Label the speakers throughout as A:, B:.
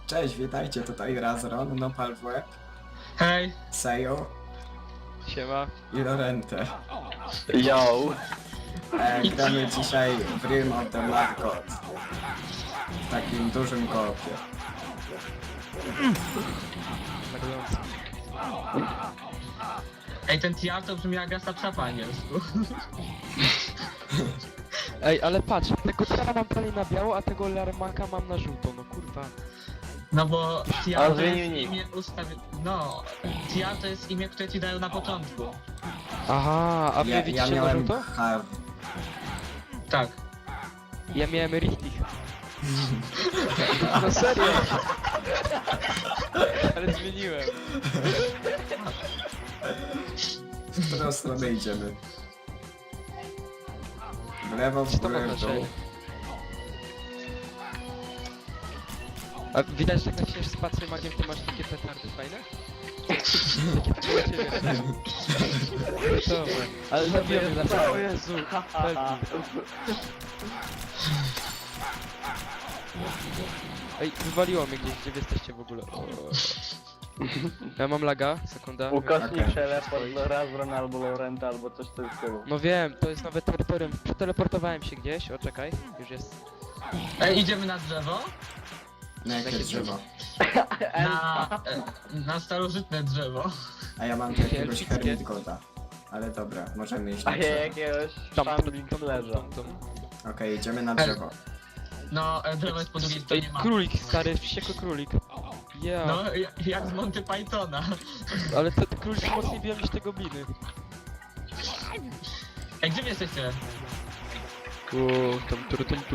A: Cześć, witajcie, tutaj Razron, Nopal w łeb,
B: Hej!
A: Sejo
C: Siema.
A: i Lorente.
D: Yo!
A: Gramy dzisiaj w Realm of the Mad God. W takim dużym koopie.
B: Ej, ten TR to brzmi jak gasta po angielsku.
C: Ej, ale patrz, tego Tara mam prawie na biało, a tego Larmaka mam na żółto, no kurwa.
B: No bo TR
D: On
B: to
D: zmienił
B: jest
D: nick.
B: imię No, TR to jest imię, które ci dają na początku.
C: Aha, a wy
A: Ja
C: widzicie na
A: miałem
C: żółto?
B: Tak.
C: Ja miałem Richtig. No serio. Ale zmieniłem.
A: W którą stronę idziemy? W lewo, w
C: Czy to
A: górę,
C: ma
A: w dół.
C: znaczenie? A widać, że jak naciśniesz spację magiem, to masz takie petardy fajne? Takie dla ciebie. Dobra, ale zabiłem mnie na O Jezu, Felki. Ej, wywaliło mnie gdzieś, gdzie wy jesteście w ogóle? O. Ja mam laga, sekunda.
D: Ukośnik
A: Okej.
D: teleport do Razron albo Lorenta albo coś w tym stylu.
C: No wiem, to jest nowe terytorium. Przeteleportowałem się gdzieś, o czekaj, już jest.
B: Ej, idziemy na drzewo?
A: Na jakie
C: Jakie
A: drzewo?
B: Na starożytne drzewo.
A: A ja mam tu jakiegoś
C: Elfickie.
A: Hermit Goda. Ale dobra, możemy iść na
D: A ja
A: drzewo.
D: jakiegoś
C: Tam,
D: Shambling Sledge'a.
A: Okej, idziemy na drzewo.
B: No, drzewo jest po drugiej
C: Ej,
B: stronie mapy.
C: królik, stary, wściekły królik. Ja,
B: No, jak z Monty Pythona.
C: ale te króliki mocniej biją niż te gobliny.
B: Ej, gdzie wy jesteście?
C: O, tam.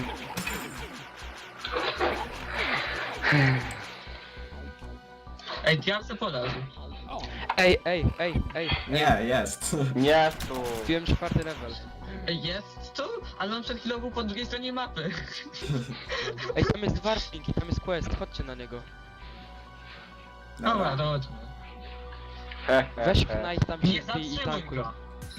B: Ej, TR se poleży.
C: Ej.
A: Nie, jest.
D: Nie tu!
C: Wbiłem 4. level.
B: Ej, jest tu? Ale on przed chwilą był po drugiej stronie mapy.
C: Ej, tam jest warping i tam jest quest, chodźcie na niego.
B: Dobra, to chodźmy.
C: Weź knight tam
B: Nie
C: się wbij i
B: zatrzymuj
C: tankuj.
B: go.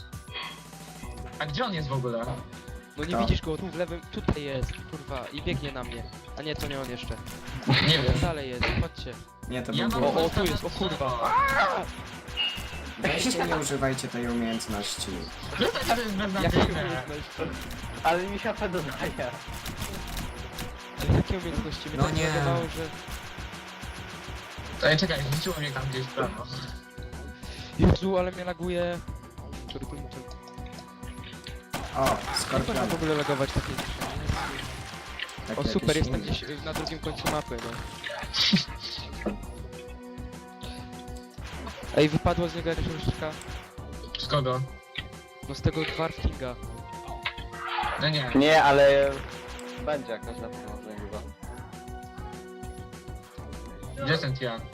B: A gdzie on jest w ogóle?
C: No nie
A: To.
C: widzisz go, tu w lewym, tutaj jest, kurwa, i biegnie na mnie. A nie, to nie on jeszcze.
B: Nie wiem.
C: Dalej jest, chodźcie.
A: Nie, to
B: Ja
A: był
B: mam
A: błąd.
C: O, tu jest, o kurwa.
A: Weźcie, nie używajcie tej umiejętności.
B: Zostań, to jest
C: Jakie
B: beznadziejne.
C: umiejętności?
D: Ale mi się dodaje.
C: Ale jakie umiejętności? Mnie
A: No
C: tak
A: nie.
C: zagawało, że...
B: Ej, czekaj, rzuciło mnie tam gdzieś w prawo.
C: Jezu, ale mnie laguje.
A: O,
C: Jak można
A: skorpion.
C: w ogóle lagować takie rzeczy?
A: Tak
C: O
A: jakiś
C: super, jestem
A: inny.
C: gdzieś na drugim końcu mapy, no. Ej, wypadło z niego jakaś różdżka.
B: Z kogo?
C: No z tego Dwarfkinga.
B: No nie.
D: Nie, ale... Będzie jakaś na pewno chyba.
B: Gdzie jest ten TR?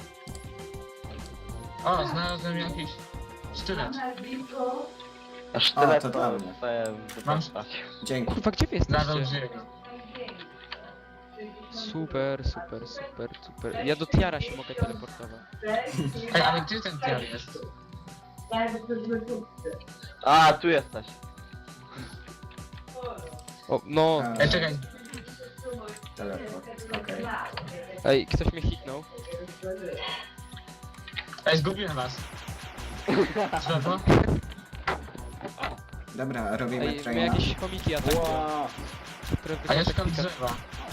B: O, znalazłem jakiś sztylet.
D: Aż
A: O,
D: tyle
A: to dla mnie.
B: Mam-
A: Dzięki.
C: Kurwa, gdzie wy
B: Znalazłem
C: jesteście?
B: Jiego.
C: Super. Ja do Tiara się mogę teleportować.
B: Ej, ale gdzie ten TR jest?
D: A, tu jesteś.
C: O, no.
B: Ej, czekaj.
A: Teleport, okej.
C: Ej, ktoś mnie hitnął.
B: Ej, zgubiłem was. Drzewo?
A: Dobra, robimy
C: Ej, mnie
A: traina.
C: jakieś chomiki atakują.
D: Wow.
C: Które
B: A ja
C: wygląda
B: szukam
C: klika.
B: drzewa.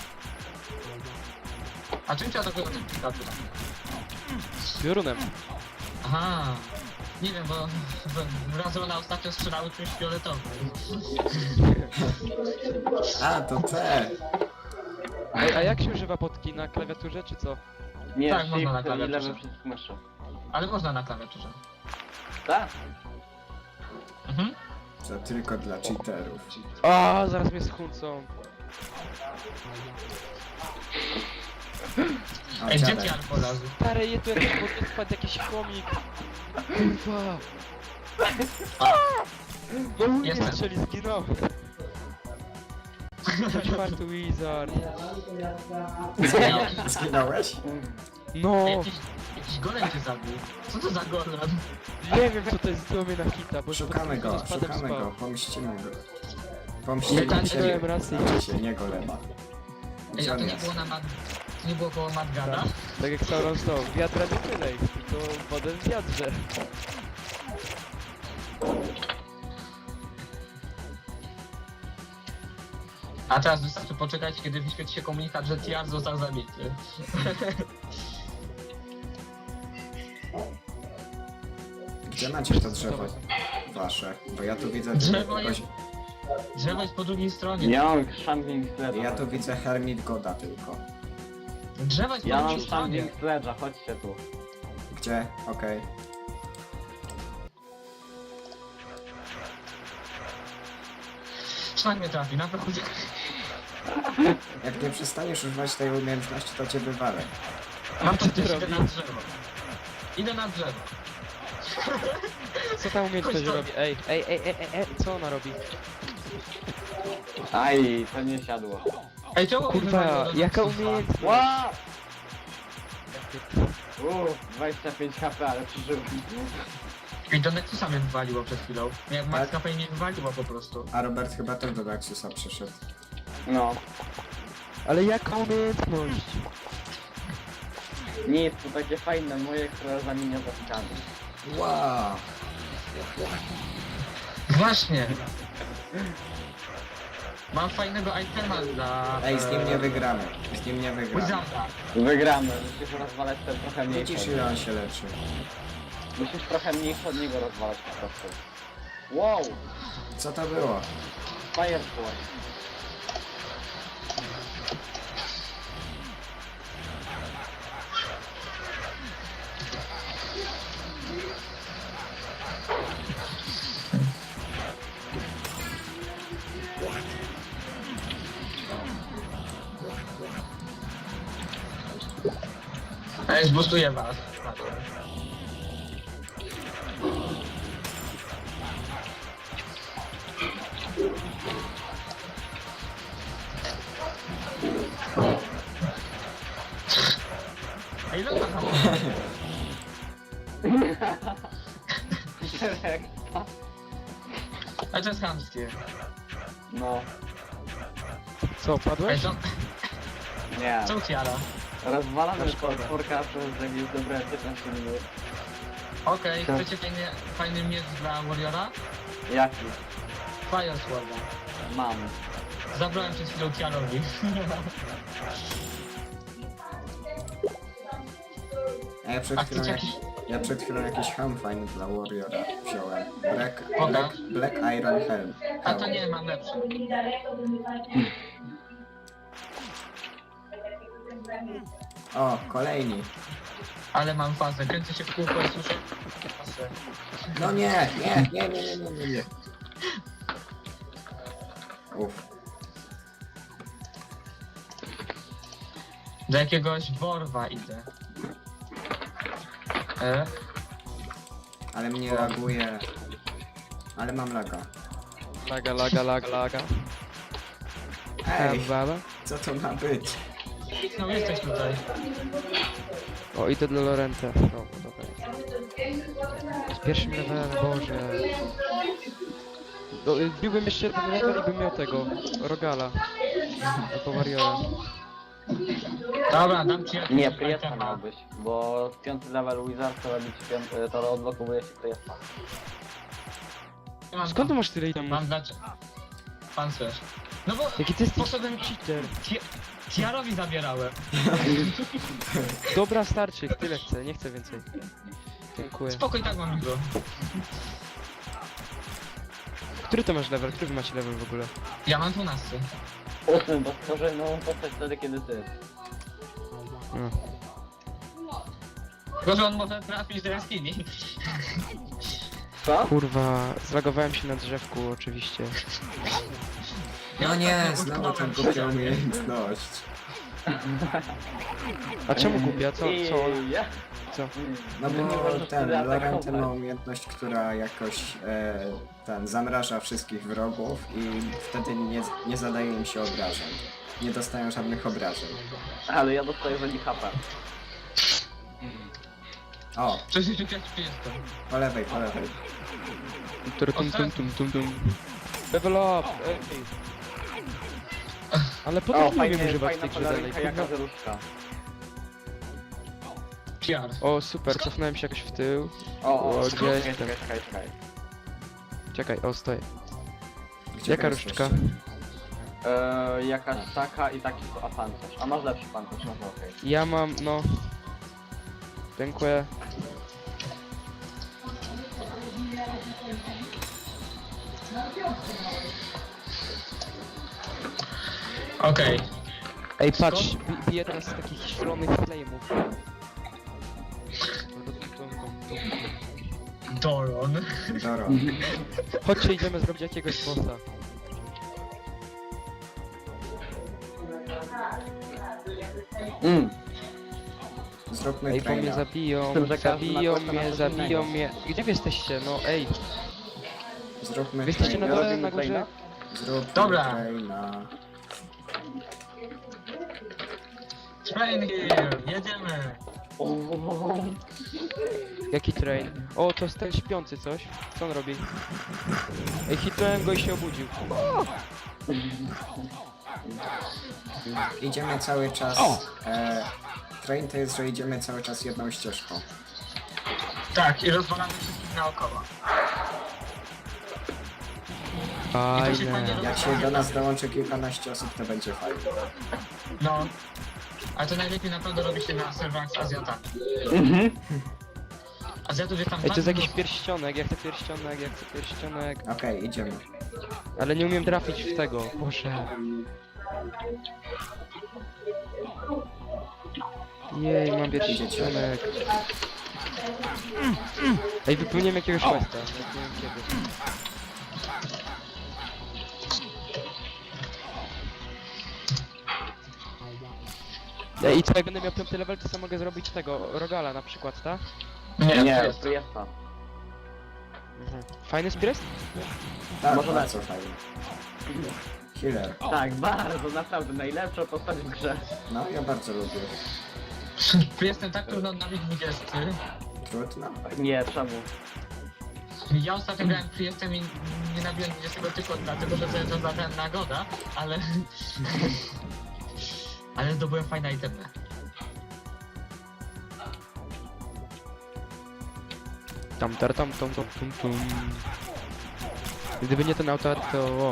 B: A czym cię atakują te plikaty?
C: Piorunem.
B: Aha. Nie wiem, bo Razona ostatnio strzelały czymś fioletowym.
A: A, to C.
C: Ej, a jak się używa potki? Na klawiaturze czy co?
D: Nie,
B: Tak, można na
D: shift i
B: klawiaturze.
D: lewy przycisk myszy.
B: Ale można na klawiaturze.
D: Tak?
B: Mhm.
A: To tylko dla cheaterów.
C: A, zaraz mnie schłócą.
A: O,
B: Ej, gdzie
A: dziadek.
B: TR polazł?
C: Stary, je tu jakiś pod wpadł jakiś chomik. Kurwa. No mnie
B: Jestem.
C: strzeli, zginąłem. Czwarty wizard.
A: Zginąłeś?
C: No,
B: Jakiś golem cię zabił. Co to za golem?
C: nie wiem co to jest, zdjął mnie na hita, bo
A: Szukamy go,
C: spadem
A: szukamy
C: spał.
A: go, pomścimy go.
B: Nie,
A: Pomścimy
B: tak,
A: się,
C: miałem rację.
A: znaczy się, nie golema.
B: Ej,
A: Gdzie
B: a
A: on
B: to nie
A: jest?
B: było na mapie. nie było koło Madgada?
C: Tak jak Sauron stał, wiatra nie tyle, tylko wodę w wiatrze.
B: A teraz wystarczy poczekać, kiedy wyświetli się komunikat, że Tiar został zabity.
A: Gdzie macie to drzewo wasze? Bo ja tu widzę
B: Drzewo
A: jakoś...
B: Drzewo jest po drugiej stronie.
D: Ja mam Shambling Sledge'a.
A: Ja tu widzę Hermit Goda tylko.
B: Drzewo jest po
D: Ja mam
B: drugiej stronie.
D: Shambling Sledge'a, chodźcie tu.
A: Gdzie? Okej.
B: Szlak mnie trafi, naprawdę.
A: Jak nie przestaniesz używać tej umiejętności, to cię wywalę.
B: Mam to
C: ty
B: też, idę
C: robisz?
B: na drzewo. Idę na drzewo.
C: Co ta umiejętność
B: Chodź to.
C: robi? Ej, co ona robi?
D: Aj, to nie siadło.
B: Ej, czemu mi wywaliło
C: Kurwa,
B: do
C: jaka
B: Nexusa?
C: umiejętność?
D: Ła! 25 HP, ale przeżyłem.
B: Ej, do Nexusa mnie wywaliło przed chwilą. Jak Max
A: Tak?
B: HP mnie wywaliło po prostu.
A: A Robert chyba też do Daxusa przyszedł.
D: No.
C: Ale jaka umiejętność?
D: Nic, to takie fajne moje, które zamienia za skany.
A: Wow!
B: Właśnie. Mam fajnego itema dla...
A: Ej, z nim nie wygramy. Z nim nie wygramy.
B: Wizarda.
D: Wygramy, musisz rozwalać ten trochę mniejszy.
A: Widzisz, ile on się leczy.
D: Musisz trochę mniejszy od niego rozwalać po prostu. Wow!
A: Co to było?
D: Fireball.
B: Ej, zbustuję was. Ej, no to A to jest chamskie.
D: No,
C: Co,
B: Ej,
C: padłeś?
B: co?
D: nie.
B: Co Tiara?
D: Rozwalamy czworka przez jakieś dobre 15 minut.
B: Okej, chcecie fajny miecz dla Warriora?
D: Jaki?
B: Fire Sworda.
D: Mam.
B: Zabrałem przed chwilą Tiarowi.
A: A ja przed
B: A
A: chwilą,
B: chcecie jakiś...
A: ja przed chwilą jakiś helm fajny dla Warriora wziąłem.
B: Oga.
A: Black Iron Helm.
B: A to nie, mam lepszy.
A: O, kolejni.
B: Ale mam fazę, kręcę się w kółko i słyszę fazę.
A: No nie, nie. Uff.
B: Do jakiegoś worwa idę.
A: Ale mnie laguje. Ale mam laga.
C: Laga.
A: Ej,
C: Baba.
A: co to ma być?
B: No jesteś tutaj.
C: O, idę dla Lorenta. O, dobra. Z pierwszym levelem, Boże. Biłbym jeszcze jeden level i bym miał tego, Rogala. Albo Warriora.
B: Dobra, dam ci jakiś
D: Nie, Priesta
B: itema.
D: miałbyś, bo w 5 level Wizard to robić to odblokowuje się Priesta.
B: Mam
C: Skąd ty masz tyle itemów?
B: Mam dać... Pancerz. No bo
C: Jaki ty jesteś
B: poszedłem...
C: cheater?
B: Tiarowi zabierałem.
C: Dobra, starczy, tyle chcę, nie chcę więcej. Dziękuję.
B: Spokój, tak mam go.
C: Który to masz level? Który wy macie level w ogóle?
B: Ja mam 12.
D: 8, bo stworzę nową postać wtedy, kiedy ty.
C: No.
B: Tylko, że on może trafić do jaskini.
D: Co?
C: Kurwa, zlagowałem się na drzewku oczywiście.
A: No nie,
B: ostatnio
A: znowu
B: utknąłem
A: tę
B: w
A: głupią
B: ścianie.
A: umiejętność.
C: A czemu głupia? Co?
D: I ja?
C: Co?
A: No
D: Nie
A: bo
D: możesz
A: ten
D: tyle
A: Lorent
D: atakować.
A: ma umiejętność, która jakoś zamraża wszystkich wrogów i wtedy nie zadaje im się obrażeń. Nie dostają żadnych obrażeń.
D: Ale ja dostaję za nich HP.
A: O,
B: Przecież jak jestem.
A: po lewej, po lewej.
C: Tum. Level up! Ej. Ale po
D: O,
C: co nie wiem
D: fajnie,
C: używać
D: fajna
C: tej grze dalej?
D: peleryka, jaka
C: Kurwa,
D: zeruszka.
B: PR.
C: O, super, cofnąłem się jakoś w tył.
D: O,
C: O,
D: czekaj,
C: gdzie
D: czekaj,
C: jestem?
D: czekaj.
C: Czekaj, o, stoję.
A: Gdzie
C: Jaka
A: wy
C: różdżka?
A: jesteście?
D: Jakaś taka i taki a pancerz. A masz lepszy pancerz, no to okej.
C: Ja mam, no... Dziękuję.
B: Okej.
C: Ej, patrz, biję teraz z takich szalonych flame'ów.
B: Doron.
A: Doro.
C: Chodźcie, idziemy zrobić jakiegoś bossa.
A: Zróbmy
C: Ej, bo mnie
A: traina.
C: zabiją,
D: Z tym, że każdy ma questa na coś
C: zabiją
D: innego.
C: mnie. Gdzie wy jesteście? No ej,
A: Zróbmy
C: wy jesteście na
A: traina.
C: dole, na
D: Robimy
C: górze?
A: Zróbmy
B: Dobra.
A: traina.
B: Train here, jedziemy.
C: Jaki train? O, to jest ten śpiący coś. Co on robi? Ej, hitnąłem go i się obudził.
A: Idziemy cały czas... Train to jest, że idziemy cały czas jedną ścieżką.
B: Tak, i rozwalamy wszystkich naokoło.
C: Fajne.
A: Jak się do nas dołączy kilkanaście osób, to będzie fajnie.
B: No. Ale to najlepiej naprawdę robi się na serwerach z Azjatami. Azjatów jest tam
C: Ej, to jest
B: tak
C: jakiś
B: dużo.
C: pierścionek, ja chcę pierścionek, ja chcę pierścionek.
A: Okej, idziemy.
C: Ale nie umiem trafić w tego. Boże. Jej, mam pierścionek. Ej, wypełniłem jakiegoś questa. Nie wiem kiedy. Ej, i co, jak będę miał 5 level, to sam mogę zrobić tego, Rogala na przykład, tak?
B: Nie,
D: Nie,
B: jest.
D: to jest to.
C: Fajny spirit?
A: Tak,
D: Może
A: bardzo fajnie. Healer.
D: Tak, bardzo, naprawdę, najlepsza postać w grze.
A: No, ja bardzo lubię.
B: Jestem tak trudno na 20.
A: Trudno.
D: Nie, czemu?
B: Ja ostatnio grałem Priestem i nie nabiłem 20 tylko dlatego, że sobie zadałem nagoda, ale... ale zdobyłem fajne itemy.
C: Tam. Gdyby nie ten autor, to... O.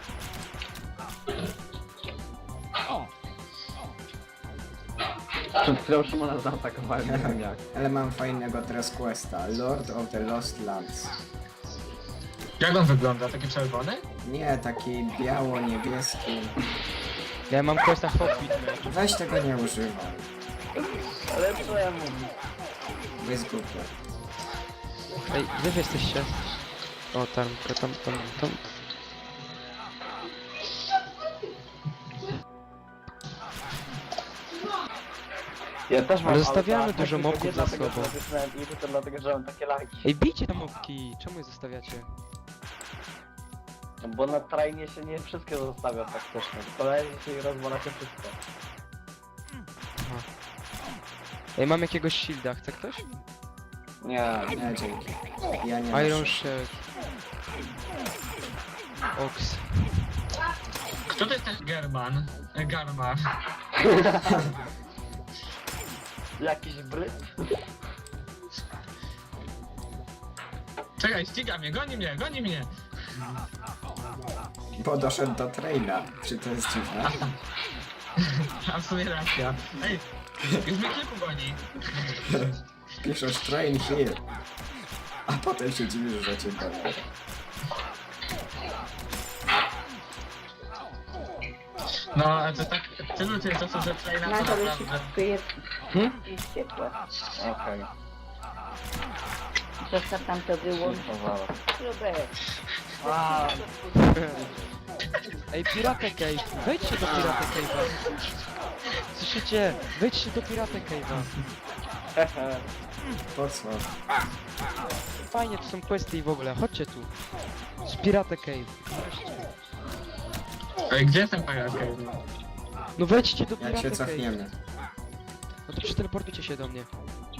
D: Przed chwilą Szymona zaatakowałem, nie wiem jak.
A: Ale mam fajnego teraz questa. Lord of the Lost Lands.
B: Jak on wygląda? Taki czerwony?
A: Nie, taki biało-niebieski.
C: Ja mam questa Hobbit, man.
A: Weź tego nie używaj.
D: Ale czemu?
A: Bo jest głupie.
C: Ej, gdzie wy jesteście? O, tam.
D: Ja też mam
C: Ale zostawiamy
D: auta,
C: dużo
D: tylko
C: mobków
D: nie
C: za
D: dlatego,
C: sobą.
D: że nacisnąłem i tylko dlatego, że mam takie lagi.
C: Ej, bijcie tam mopki! Czemu je zostawiacie?
D: No bo na trainie się nie wszystkie zostawia faktycznie. Kolejnie się i rozwala się wszystko.
C: Ej, mam jakiegoś shielda, chce ktoś?
D: Nie,
A: Nie, dzięki. Ja nie
C: Iron
A: noszę.
C: Shield. Ox.
B: Kto to jest ten German? Garmar.
D: jakiś bryt?
B: Czekaj, ściga mnie, goni mnie!
A: Bo doszedł do traina. Czy to jest dziwne?
B: A w sumie racja. Ej, już mnie kilku goni.
A: Piszesz train here. A potem się dziwisz, że cię goni.
B: No, ale to tak, tylu tych osób, że tutaj na to
E: Nagle
B: naprawdę...
E: tu jest ciepłe.
D: Okej.
E: Zostaw tam to wyłącz.
D: Powala.
E: Robert.
D: A,
C: Ej, Pirate Cave! Wejdźcie do Pirate Cave'a! Słyszycie? Wejdźcie do Pirate Cave'a!
D: hehe.
A: Po co?
C: Fajnie, to są questy i w ogóle, chodźcie tu! Z Pirate Cave!
B: Ej, gdzie jestem pająk?
C: No wejdźcie do
A: Jak
C: Pirate
A: się
C: Cave!
A: cofniemy?
C: No to przeteleportujcie się do mnie.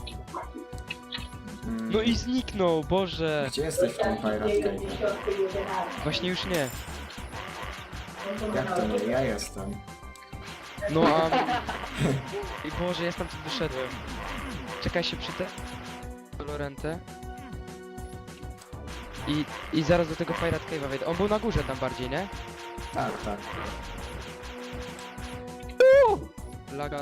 A: Mm,
C: No i zniknął, Boże!
A: Gdzie jesteś w tym Pirate Cave?
C: Właśnie już nie.
A: Jak to nie? Ja jestem.
C: No a... Ej Boże, ja stamtąd wyszedłem. Czekaj się przy te... Lorentę. I zaraz do tego Pirate Cave'a wejdę. On był na górze tam bardziej, nie?
A: Tak, tak.
C: Laga.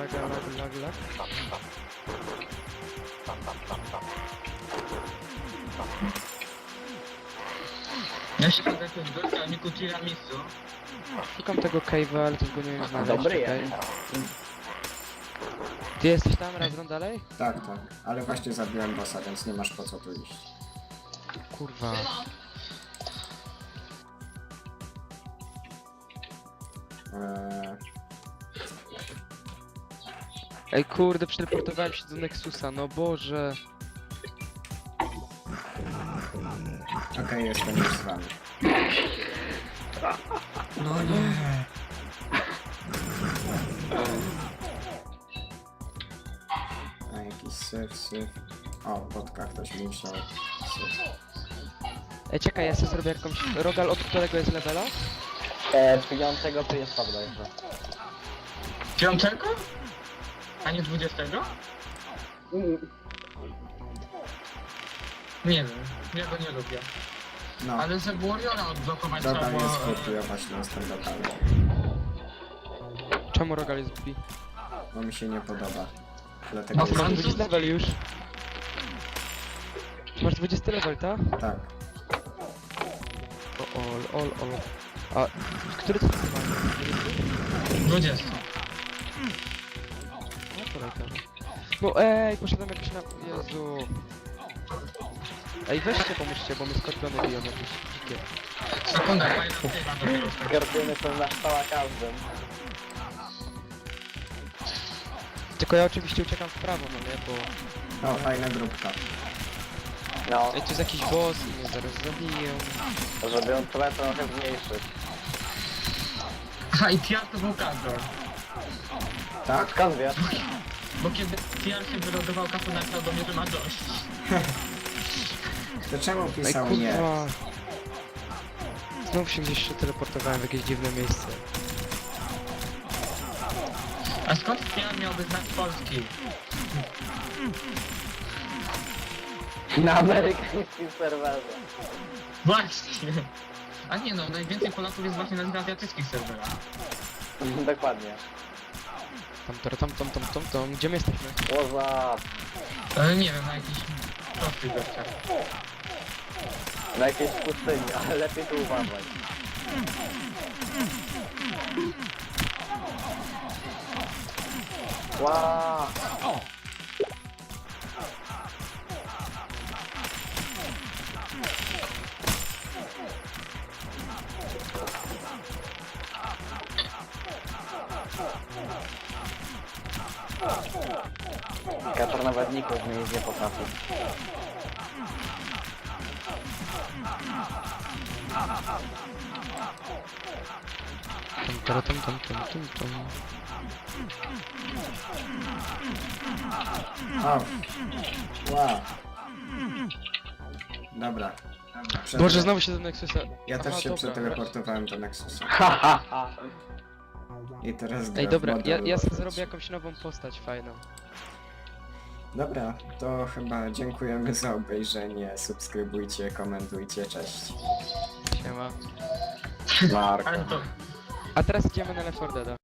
B: Ja się pod jakiegoś gościa, Niku Tiramisu.
C: Szukam tego Cave'a, ale też go nie wiem znaleźć.
D: Dobry
C: czekaj.
D: jest.
C: Ty jesteś tam razem dalej?
A: Tak, tak. Ale właśnie zabiłem bossa, więc nie masz po co tu iść.
C: Kurwa. Ej kurde, przeteleportowałem się do Nexusa, no Boże.
A: Okej, jestem już z wami. No nie. A jakiś syf. O, podka ktoś musiał. Syf.
C: Ej czekaj, ja sobie zrobię jakąś... Rogal od którego jest levela?
D: 5 tu jest bodajże.
B: 5? A nie 20? Nie wiem, ja go nie lubię.
A: No,
B: Ale żeby Warriora odblokować
A: Rogal
B: trzeba
A: jest
B: było...
A: kopiować na standardami.
C: Czemu Rogal jest głupi?
A: Bo mi się nie podoba. Dlatego
B: No,
C: Ty masz
A: jest...
C: 20 level już. Masz 20 level, tak?
A: Tak.
C: Ol. A, który to jest?
B: 20.
C: No kolejka. No ej, poszedłem jakiś na... Jezu. Ej, weźcie pomóżcie, bo mnie skorpiony biją jakieś dzikie.
B: Sekunda, fajna chyba dopiero.
D: Skorpiony są na stała każdym.
C: Tylko ja oczywiście uciekam w prawo, no nie, bo...
A: O, fajna grupka.
D: No,
C: Ej, tu jest jakiś boss i mnie zaraz zabiją.
D: żeby on trochę zmniejszyć.
B: Aha, i TR to był Kazor.
A: Tak?
D: Skąd wiesz?
B: Bo kiedy TR się wylogował, Kafu napisał do mnie, że ma dość.
A: To czemu
C: Ej,
A: pisał nie?
C: kurwa. Znów się gdzieś teleportowałem w jakieś dziwne miejsce.
B: A skąd TR miałby znać polski?
D: Na amerykańskim serwerze.
B: Właśnie. A nie no, najwięcej Polaków jest właśnie na azjatyckich serwerach.
D: Dokładnie.
C: Tam. Gdzie my jesteśmy?
D: Łoza.
B: Nie wiem, na jakichś prostych gościach.
D: Na jakiejś pustyni, ale lepiej tu uważać. Wow. Kaczor nawet ników zmienić nie potrafi.
C: Tam.
A: O! Wow! Dobra.
C: Boże, znowu się do Nexusa...
A: Ja też
C: Aha,
A: się
C: dobra.
A: przeteleportowałem do Nexusa. I teraz gra
C: Ej,
A: w
C: dobra,
A: model
C: ja sobie
A: Warriors.
C: zrobię jakąś nową postać fajną.
A: Dobra, to chyba dziękujemy za obejrzenie. Subskrybujcie, komentujcie, cześć.
C: Siema.
D: Marko.
B: Ale to...
C: A teraz idziemy na Left 4 Deada.